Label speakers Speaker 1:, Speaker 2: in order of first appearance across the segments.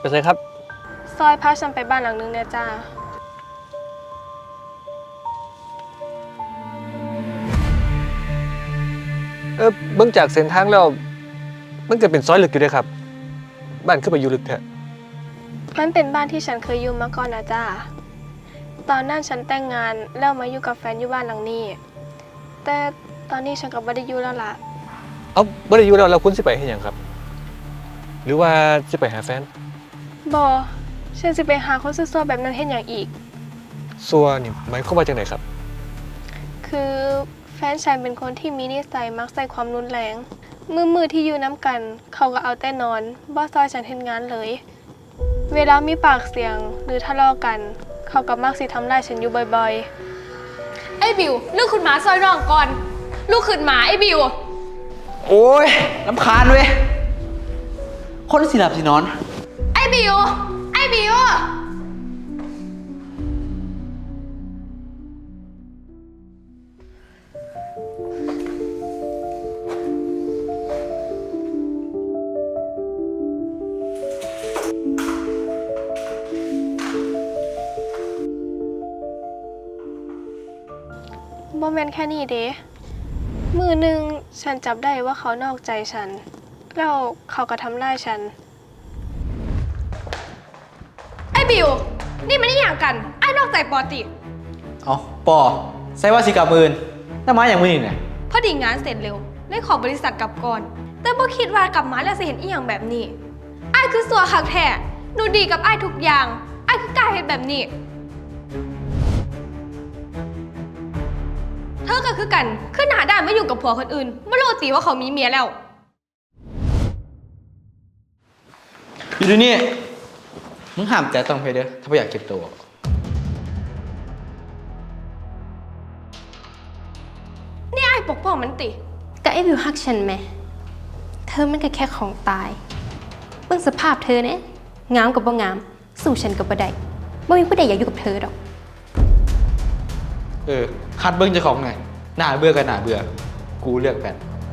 Speaker 1: ใส่ครับ
Speaker 2: ซอยพาฉันไปบ้านหลังนึงเนี่ยจ้า
Speaker 1: เบื้องจากเส้นทางแล้วมันก็เป็นซอยลึกอยู่ด้วยครับบ้านขึ้นไปอยู่ลึกแท้
Speaker 2: มันเป็นบ้านที่ฉันเคยอยู่มาก่อนนะจ้าตอนนั้นฉันแต่งงานแล้วมาอยู่กับแฟนอยู่บ้านหลังนี้แต่ตอนนี้ฉันก็บ่ได้อยู่แล้วล่ะ
Speaker 1: เอาบ่ได้อยู่แล้วเราคุณสิไปเฮ็ดหยังครับ หรือว่าสิไปหาแฟน
Speaker 2: บ่ฉันสิไปหาคนซั่วๆแบบนั้นเฮ็ดหยังอีก
Speaker 1: ซัวนี่หมายความว่าจังไดครับ
Speaker 2: คือแฟนฉันเป็นคนที่มีนิสัยมักใส่ความรุนแรงมือที่อยู่น้ำกันเขาก็เอาแต่นอนบ่ซอยฉันเฮ็ดงานเลยเวลามีปากเสียงหรือทะเลาะกันเขาก็มักสิทำร้ายฉันอยู่บ่อย
Speaker 3: ไอ้บิวลูกขึ้นมาซอยน้องก่อนลูกขึ้นมาไอ้บิว
Speaker 4: โอ้ยรำคาญเว้ยคนสิหลับสินอน
Speaker 3: ไอ้บิวไอ้บิว
Speaker 2: ๆบ่แม่นแค่นี้เด้มือหนึ่งฉันจับได้ว่าเขานอกใจฉันแล้วเขาก็ทำร้ายฉัน
Speaker 3: ไอ้บิวนี่มันนี่อย่างกันไอ้นอกใจปอติ
Speaker 4: เอาปอใส่ว่าสิกับมืนแล้วมาอย่างมือนี่เนี่ย
Speaker 3: พอดีงานเสร็จเร็วเลยขอบริษัทกลับก่อนแต่บ่คิดว่ากลับมาแล้วจะเห็นอีหยังแบบนี้ไอ้คือสัวคักแท้หนูดีกับไอ้ทุกอย่างไอ้คือกล้าเฮ็ดแบบนี้เธอก็คือกันขึ้นหาด้านไม่อยู่กับผัวคนอื่นไม่รู้ตีว่าเขามีเมียแล้ว
Speaker 4: อยู่ที่นี่มึงห้ามแต่ต้องเพเด้อถ้าไม่อยากเก็บตัว
Speaker 3: นี่ไอ้ปกป้องมันติ
Speaker 5: ก็ไอ้บิวฮักฉันไหมเธอมันก็แค่ของตายเบิ่งสภาพเธอเนี่ยงามกับบ่งามสู้ฉันกับบ่ได้บ่มีผู้ใดอยากอยู่กับเธอดอก
Speaker 4: คัดเบิ้งเจ้าของไงหน้าเบื่อกันหน้าเบื่อกูเลือกแฟน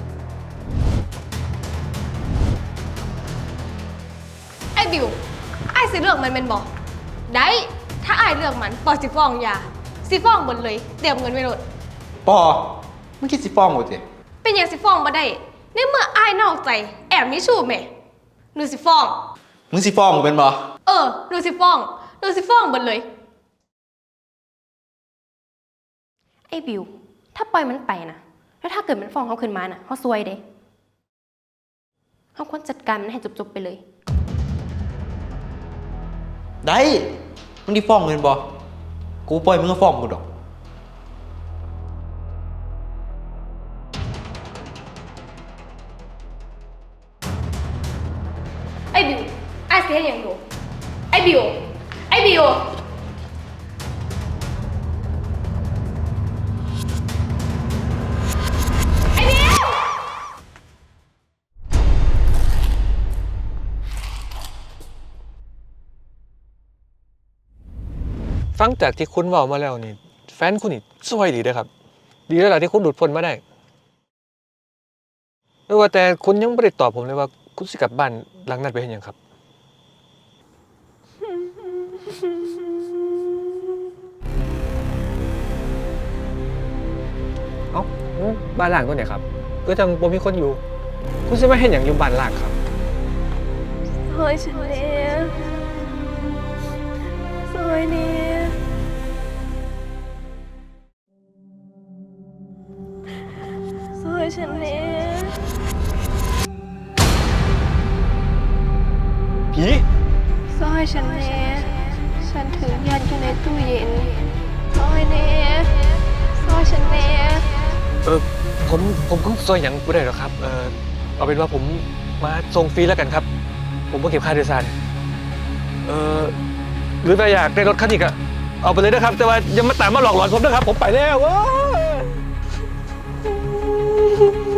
Speaker 3: ไอ้บิวไอ้สิเลือกมันเป็นบอกได้ถ้าไอ้เลือกมันปอสิฟ้องยาสิฟ้องหมดเลยเตรียมเงินไว้หมด
Speaker 4: ปอมึงคิดสิฟ้องหมดสิ
Speaker 3: เป็นอย่างสิฟ้องมาได้ในเมื่อไอ้นอกใจแอบมีชู้แม่หนูสิฟ้อง
Speaker 4: มึงสิฟ้องกูเป็นบ่
Speaker 3: หนูสิฟ้องหมดเลย
Speaker 5: ไอ้บิวถ้าปล่อยมันไปนะแล้วถ้าเกิดมันฟ้องเขาขึ้นมาน่ะเขาซวยเด้เขาควรจัดการมันให้จบๆไปเลย
Speaker 4: ได้มึงดิฟ้องเป็นบ่กูปล่อยมึงก็ฟ้องกูดอก
Speaker 3: ไอ้บิวไอ้เสียอย่างหนูไอ้บิวไอ้บิว
Speaker 1: ฟังจากที่คุณเว้ามาแล้วนี่แฟนคุณนี่สวยดีเด้อครับ ดีแล้วล่ะที่คุณหลุดพ้นมาได้ไม่ว่าแต่คุณยังไม่ได้ตอบผมเลยว่าคุณสิกลับบ้านหลังนั้นไปเฮ็ดหยังครับเอ้าบ้านหลังตัวไหนครับก็จังบ่มีคนอยู่คุณสิมาเฮ็ดหยังอยู่บ้านหลังครับ
Speaker 2: ซอยฉันแน่ซอยแน่ซอยฉันแน่
Speaker 1: ผี
Speaker 2: ซอยฉันแน่ฉันถือยันอยู่ในตู้เย็นซอยแน่ซอยฉันแน่
Speaker 1: ผมก็ซอยหยังบ่ได้หรอกครับเอาเป็นว่าผมมาส่งฟรีแล้วกันครับผมบ่เก็บค่าโดยสารหรือถ้าอยากได้รถคันอีกอะเอาไปเลยนะครับแต่ว่าอย่ามาตามมาหลอกหลอนผมนะครับผมไปแล้ว